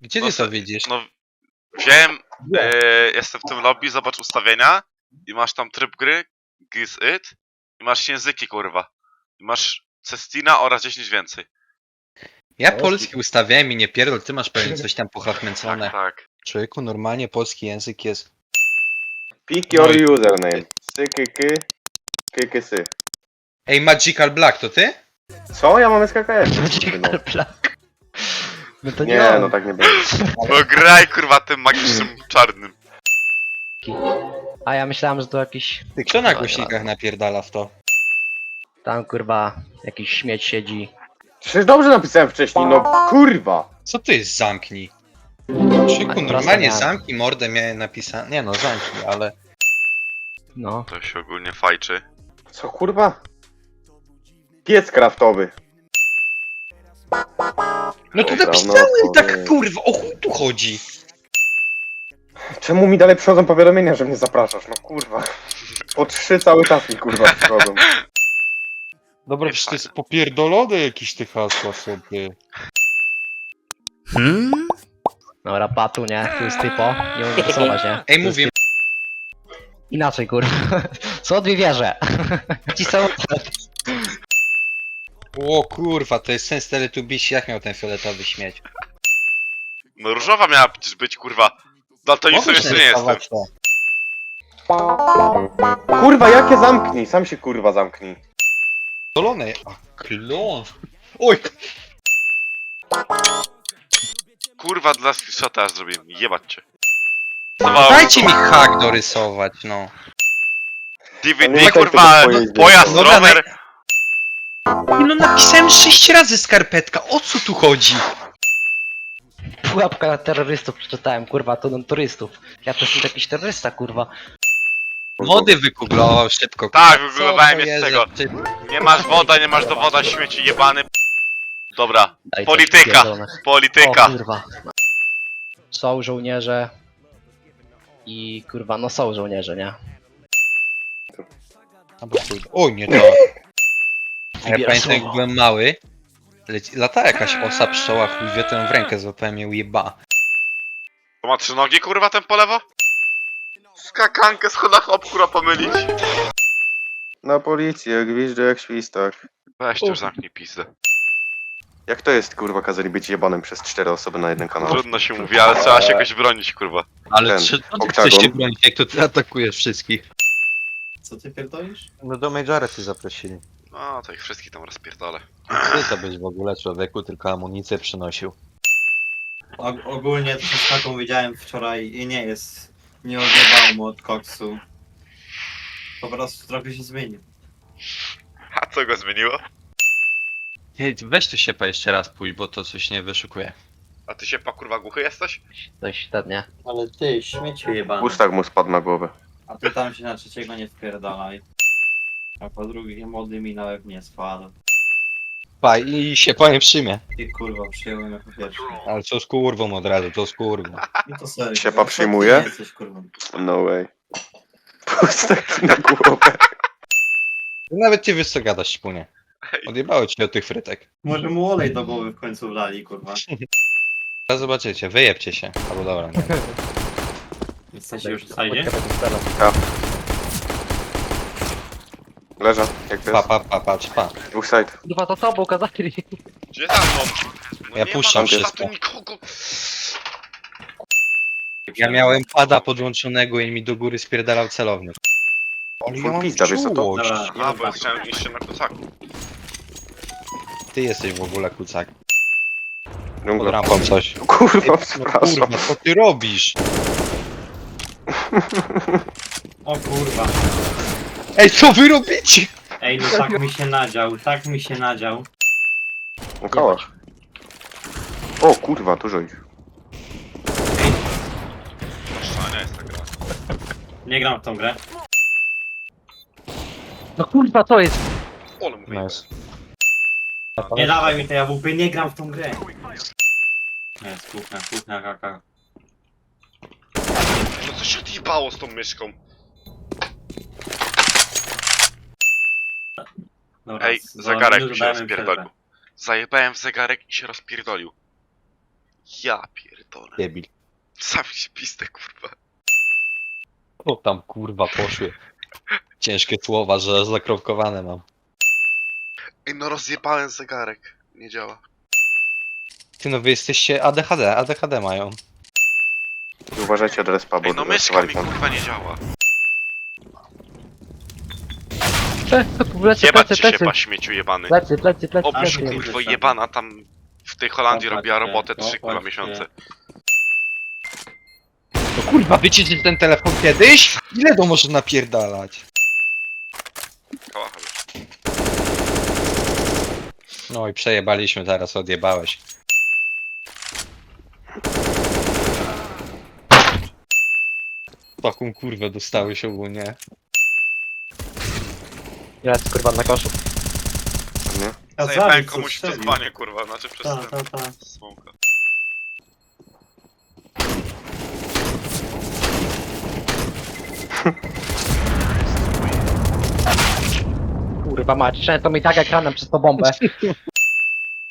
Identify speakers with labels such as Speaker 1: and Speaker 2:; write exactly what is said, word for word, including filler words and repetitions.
Speaker 1: Gdzie
Speaker 2: No
Speaker 1: ty
Speaker 2: se-
Speaker 1: to widzisz?
Speaker 2: No, wiem, e, jestem w tym lobby, zobacz ustawienia i masz tam tryb gry, Giz It i masz języki, kurwa. I masz Cestina oraz dziesięć więcej.
Speaker 1: Ja polski ustawiałem i nie pierdol, ty masz pewnie coś tam
Speaker 2: Tak,
Speaker 1: pochachmęcone.
Speaker 2: tak.
Speaker 1: Człowieku, normalnie polski język jest...
Speaker 3: Pick
Speaker 1: No
Speaker 3: your
Speaker 1: i-
Speaker 3: username. Sykyky, kykysy.
Speaker 1: Ej, Magical Black, to ty?
Speaker 3: Co? Ja mam S K K S. No.
Speaker 4: Plak. No to nie,
Speaker 3: Nie,
Speaker 4: on.
Speaker 3: no tak nie będzie.
Speaker 2: No graj, kurwa, tym magicznym czarnym.
Speaker 4: A ja myślałem, że to jakiś
Speaker 1: Ty, kto na
Speaker 4: No,
Speaker 1: głośnikach napierdala w to?
Speaker 4: tam kurwa jakiś śmieć siedzi.
Speaker 3: Przecież dobrze napisałem wcześniej, no kurwa.
Speaker 1: Co to jest zamknij? Człowieku,
Speaker 4: prosto
Speaker 1: normalnie
Speaker 4: miałem.
Speaker 1: zamknij mordę miałem napisane. Nie no, zamknij, ale...
Speaker 4: No.
Speaker 2: To się ogólnie fajczy.
Speaker 3: Co kurwa? Piec kraftowy.
Speaker 1: No to
Speaker 3: Dobra,
Speaker 1: napisałem
Speaker 3: no,
Speaker 1: tak,
Speaker 3: powiem.
Speaker 1: kurwa, o chuj tu chodzi?
Speaker 3: Czemu mi dalej przychodzą powiadomienia, że mnie zapraszasz? No kurwa. Po trzy cały czas mi kurwa przychodzą.
Speaker 1: Dobra,
Speaker 2: Nie
Speaker 1: przecież to
Speaker 2: fajne.
Speaker 1: jest popierdolone jakieś te hasła sobie.
Speaker 4: Dobra, patu, nie? Tu jest typo. Nie mogę rysować, nie?
Speaker 1: Ej,
Speaker 4: Tu jest
Speaker 1: mówię,
Speaker 4: typ- Inaczej, kurwa. Co dwie wieże? Ci są...
Speaker 1: o kurwa, to jest sens Teletubbies, jak miał ten fioletowy śmieć?
Speaker 2: No różowa miała przecież być, kurwa. Daltonistą
Speaker 1: Mogłeś
Speaker 2: jeszcze nie jestem.
Speaker 1: narysować to.
Speaker 3: Kurwa, jakie zamknij? Sam się kurwa zamknij.
Speaker 1: Dolone, a klon. Oj,
Speaker 2: Kurwa, dla screenshota aż zrobiłem. Jebać cię.
Speaker 1: dajcie mi hak dorysować, no.
Speaker 2: D V
Speaker 3: To nie
Speaker 2: D,
Speaker 3: ma
Speaker 2: kurwa,
Speaker 3: tego pojazdu.
Speaker 2: pojazd,
Speaker 1: Dobra,
Speaker 2: rower.
Speaker 1: No napisałem sześć razy skarpetka, o co tu chodzi?
Speaker 4: Pułapka na terrorystów przeczytałem, kurwa, to na turystów. Ja to jestem jakiś terrorysta, kurwa.
Speaker 1: Mody wygooglował szybko.
Speaker 2: Tak,
Speaker 1: Co
Speaker 2: wygooglowałem
Speaker 1: to
Speaker 2: je z
Speaker 1: jest
Speaker 2: tego.
Speaker 1: za typ?
Speaker 2: Nie masz woda, nie masz dowoda, śmieci jebany. Dobra,
Speaker 4: Daj to
Speaker 2: polityka,
Speaker 4: pierdolone.
Speaker 2: polityka.
Speaker 4: O kurwa. Są żołnierze. I kurwa, no są żołnierze, nie?
Speaker 1: Albo chuj. Oj, nie to. Ja
Speaker 4: Wybierasz
Speaker 1: pamiętam jak
Speaker 4: słowo.
Speaker 1: byłem mały, leci, lata jakaś osa pszczoła, chuj wie, to ją w rękę złapałem ją jeba.
Speaker 2: To ma trzy nogi, kurwa, ten po lewo? Skakankę schodach obkura pomylić.
Speaker 3: Na policję, gwizdże jak świstak.
Speaker 2: Weź już zamknij pizdę.
Speaker 3: Jak to jest kurwa kazali być jebanym przez cztery osoby na jeden kanał?
Speaker 2: Trudno się mówi, ale trzeba się jakoś bronić, kurwa.
Speaker 1: Ale
Speaker 3: Ten,
Speaker 1: czy no, ty
Speaker 3: oktagon.
Speaker 1: chcesz się bronić, jak to ty atakujesz wszystkich?
Speaker 5: Co ty pierdolisz?
Speaker 1: No do Majora ty zaprosili.
Speaker 2: No, to ich wszystkich tam rozpierdolę.
Speaker 1: Ty to byś w ogóle człowieku, tylko amunicję przynosił.
Speaker 5: Og ogólnie to z taką widziałem wczoraj i nie jest. Nie odjebało mu od koksu. Po prostu trochę się zmienił.
Speaker 2: A co go zmieniło?
Speaker 1: Nie, weź tu się jeszcze raz pójdź, bo to coś nie wyszukuje.
Speaker 2: A ty się pa kurwa głuchy jesteś?
Speaker 4: Coś ten, nie?
Speaker 5: Ale ty, śmieciu jebany.
Speaker 3: Pustak mu spadł na głowę.
Speaker 5: A ty tam się na trzeciego nie wpierdalaj. A po drugie młody mi na łeb nie spadł.
Speaker 1: Pa, i się powiem przyjmie.
Speaker 5: Ty kurwa przyjąłem jako pierwszy.
Speaker 1: Ale co z kurwą od razu, to z kurwą.
Speaker 5: I to serio.
Speaker 3: Siepa
Speaker 5: kurwa, co ty
Speaker 3: przyjmuje?
Speaker 5: nie jesteś kurwa.
Speaker 3: No way. Pustak na głowę.
Speaker 1: Nawet ty wiesz co gadasz, śpunie. Odjebało ci od tych frytek.
Speaker 5: Może mu olej do głowy w końcu wlali kurwa.
Speaker 1: Teraz zobaczycie, wyjebcie się. Albo dobra, nie.
Speaker 5: Jesteście już w sajdzie?
Speaker 3: Leża, jak to
Speaker 1: Pa,
Speaker 3: jest?
Speaker 1: pa, pa, patrz, pa.
Speaker 3: Dwóch side.
Speaker 4: Kurwa, to tobą kazali.
Speaker 2: Gdzie tam są? No
Speaker 1: Ja
Speaker 2: nie
Speaker 1: puszczam
Speaker 2: ma
Speaker 1: wszystko.
Speaker 2: tu nikogo.
Speaker 1: Ja miałem pada podłączonego i mi do góry spierdalał celownik. Ale ja
Speaker 3: Full
Speaker 1: mam
Speaker 3: pizda, wiesz co to?
Speaker 1: czułość.
Speaker 5: Dobra,
Speaker 2: A, bo ja chciałem iść się na kucaku.
Speaker 1: Ty jesteś w ogóle kucak. Pod
Speaker 3: Dżungla.
Speaker 1: rampą coś.
Speaker 3: Kurwa,
Speaker 1: No
Speaker 3: przepraszam.
Speaker 1: kurwa, co ty robisz?
Speaker 5: O kurwa.
Speaker 1: Ej, co wy robicie?
Speaker 5: Ej, no tak mi się nadział, tak mi się nadział.
Speaker 3: Na kołach. O kurwa, dużo ich.
Speaker 2: Proszę, nie jest ta gra.
Speaker 5: Nie gram w tą grę.
Speaker 4: No kurwa, to jest.
Speaker 2: Ole mówię.
Speaker 1: Nice.
Speaker 5: Nie dawaj mi tej A W P, nie gram w tą grę. Jest, kuchnia, kuchnia, kaka.
Speaker 2: No co się odjebało z tą myszką?
Speaker 5: Dobra,
Speaker 2: Ej,
Speaker 5: za
Speaker 2: zegarek
Speaker 5: minutę
Speaker 2: mi się
Speaker 5: dajemy
Speaker 2: rozpierdolił.
Speaker 5: przerwę.
Speaker 2: Zajebałem w zegarek i się rozpierdolił. Ja pierdolę.
Speaker 1: Debil.
Speaker 2: Sami się pistę, kurwa.
Speaker 1: O tam kurwa poszły. Ciężkie słowa, że zakropkowane mam.
Speaker 2: Ej, no rozjebałem zegarek. Nie działa.
Speaker 1: Ty no wy jesteście A D H D, A D H D mają.
Speaker 3: I uważajcie od respa, bo
Speaker 2: Ej, no myszka
Speaker 3: wylosowali
Speaker 2: mi
Speaker 3: tam.
Speaker 2: kurwa nie działa.
Speaker 4: Ple- Plecy,
Speaker 2: Jebać
Speaker 4: plecy,
Speaker 2: ci się,
Speaker 4: plecy,
Speaker 2: pa śmieciu jebany.
Speaker 4: plecy, plecy, plecy,
Speaker 2: Obrzyj
Speaker 4: plecy.
Speaker 2: kurwo jebana tam w tej Holandii
Speaker 5: Popatrzcie,
Speaker 2: robiła robotę trzy kurwa
Speaker 5: popatrzcie.
Speaker 2: miesiące.
Speaker 1: No kurwa, wyciecie ten telefon kiedyś? Ile to może napierdalać?
Speaker 2: Kałacha już.
Speaker 1: No i przejebaliśmy, zaraz odjebałeś. Taką kurwę dostałeś ogólnie.
Speaker 4: Jest kurwa na koszu.
Speaker 3: Nie?
Speaker 5: Ja
Speaker 2: Zajebałem
Speaker 5: zabił, co
Speaker 2: komuś to
Speaker 5: strzelił.
Speaker 2: dzbanie kurwa, znaczy przez
Speaker 5: Ta,
Speaker 2: ten
Speaker 5: ta, ta.
Speaker 2: smoka.
Speaker 4: Kurwa mać, to mi tak ekranem przez tą bombę.